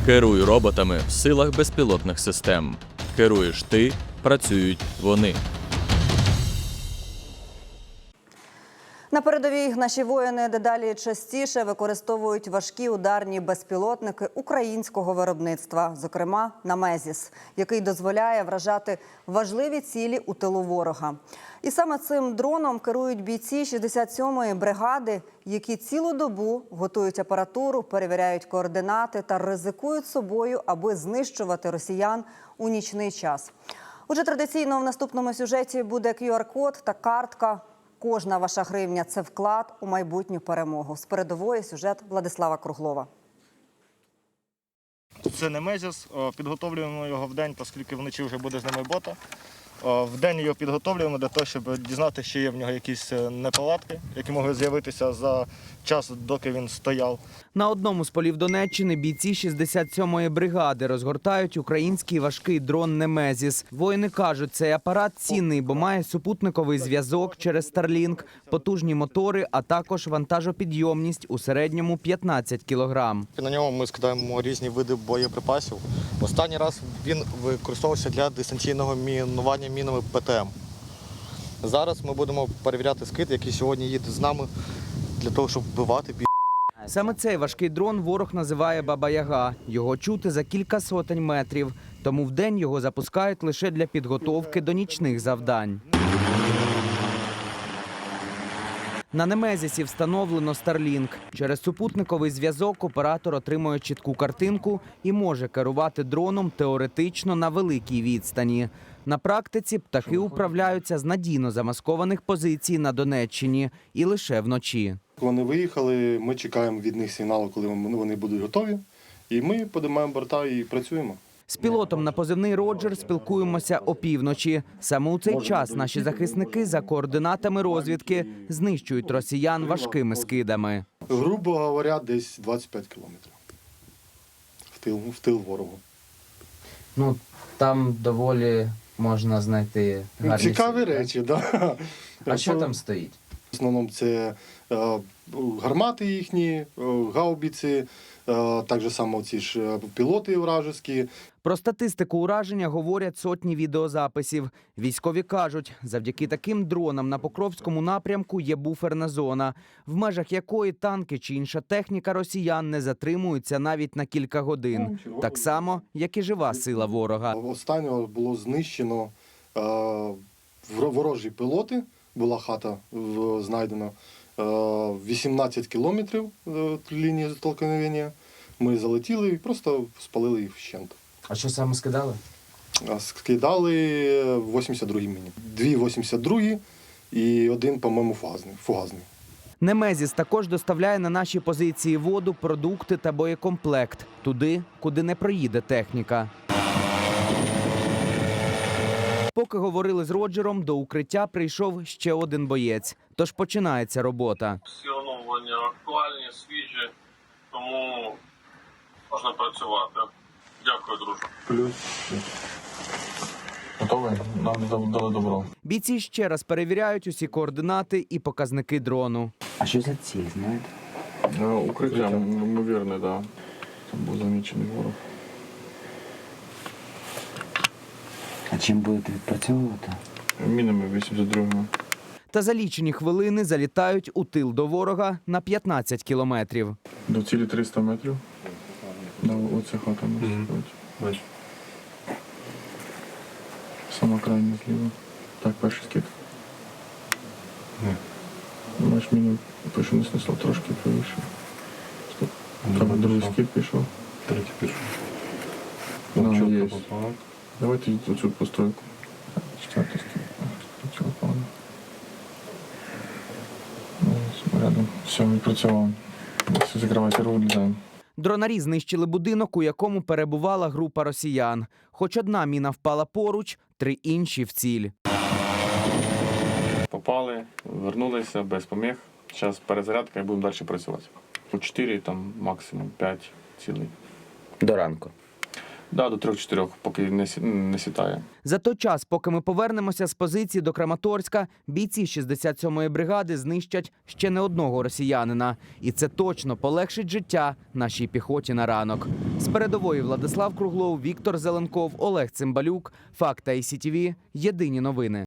Керуй роботами в силах безпілотних систем. Керуєш ти, працюють вони. На передовій наші воїни дедалі частіше використовують важкі ударні безпілотники українського виробництва, зокрема «Немезіс», який дозволяє вражати важливі цілі у тилу ворога. І саме цим дроном керують бійці 67-ї бригади, які цілу добу готують апаратуру, перевіряють координати та ризикують собою, аби знищувати росіян у нічний час. Отже, традиційно в наступному сюжеті буде QR-код та картка. Кожна ваша гривня – це вклад у майбутню перемогу. З передової сюжет Владислава Круглова. Це «Немезіс». Підготовлюємо його вдень, оскільки вночі вже буде з ними бота. Вдень його підготовлюємо для того, щоб дізнатися, чи є в нього якісь неполадки, які могли з'явитися за час, доки він стояв. На одному з полів Донеччини бійці 67-ї бригади розгортають український важкий дрон «Немезіс». Воїни кажуть, цей апарат цінний, бо має супутниковий зв'язок через Starlink, потужні мотори, а також вантажопідйомність у середньому 15 кілограм. На ньому ми скидаємо різні види боєприпасів. Останній раз він використовувався для дистанційного мінування мінами ПТМ. Зараз ми будемо перевіряти скид, який сьогодні їде з нами для того, щоб вбивати бій. Саме цей важкий дрон ворог називає «Баба-Яга». Його чути за кілька сотень метрів. Тому вдень його запускають лише для підготовки до нічних завдань. На «Немезісі» встановлено Starlink. Через супутниковий зв'язок оператор отримує чітку картинку і може керувати дроном теоретично на великій відстані. На практиці птахи управляються з надійно замаскованих позицій на Донеччині і лише вночі. Вони виїхали, ми чекаємо від них сигналу, коли вони будуть готові, і ми підіймаємо борта і працюємо. З пілотом на позивний «Роджер» спілкуємося опівночі. Саме у цей час наші захисники за координатами розвідки знищують росіян важкими скидами. Грубо говоря, десь 25 кілометрів в тил ворогу. Ну, там доволі можна знайти гарні Цікаві цілі, речі, так. Да. А що там стоїть? В основному це гармати їхні, гаубиці, так же само ці ж пілоти вражеські. Про статистику ураження говорять сотні відеозаписів. Військові кажуть, завдяки таким дронам на Покровському напрямку є буферна зона, в межах якої танки чи інша техніка росіян не затримуються навіть на кілька годин. Так само, як і жива сила ворога. Останнього було знищено ворожі пілоти, була хата знайдена, 18 кілометрів лінії зіткнення. Ми залетіли і просто спалили їх вщент. А що саме скидали? Скидали 82-й міні. 2 82-ї і один, по-моєму, фугасний. «Немезіс» також доставляє на наші позиції воду, продукти та боєкомплект. Туди, куди не проїде техніка. Поки говорили з Роджером, до укриття прийшов ще один боєць. Тож починається робота. Всі оновлення актуальні, свіжі, тому можна працювати. Дякую, друже. Плюс. Готовий? Нам дали добро. Бійці ще раз перевіряють усі координати і показники дрону. А що за ціль, знаєте? Укриття, ймовірне, так. Це був замічений ворог. А чим будете відпрацьовувати? Мінами 82-го. Та за лічені хвилини залітають у тил до ворога на 15 кілометрів. До цілі 300 метрів. Оця хата може бути. Сама крайня зліва. Так, перший скид. Бачиш, міну пишу не снесло, трошки правіше. Стоп. Треба другий скид пішов. Третій пішов. Є. Давайте оцю постройку. Четвертий скид. Цього погано. Рядом. Все, відпрацював. Все, закривайте руку, влізаємо. Дронарі знищили будинок, у якому перебувала група росіян. Хоч одна міна впала поруч, 3 інші в ціль. Попали, вернулися без поміг. Зараз перезарядка і будемо далі працювати. По 4, там максимум 5 цілей. До ранку. Да, до 3-4, поки не сітає. За той час, поки ми повернемося з позиції до Краматорська, бійці 67-ї бригади знищать ще не одного росіянина. І це точно полегшить життя нашій піхоті на ранок. З передової Владислав Круглов, Віктор Зеленков, Олег Цимбалюк. Факт ICTV. Єдині новини.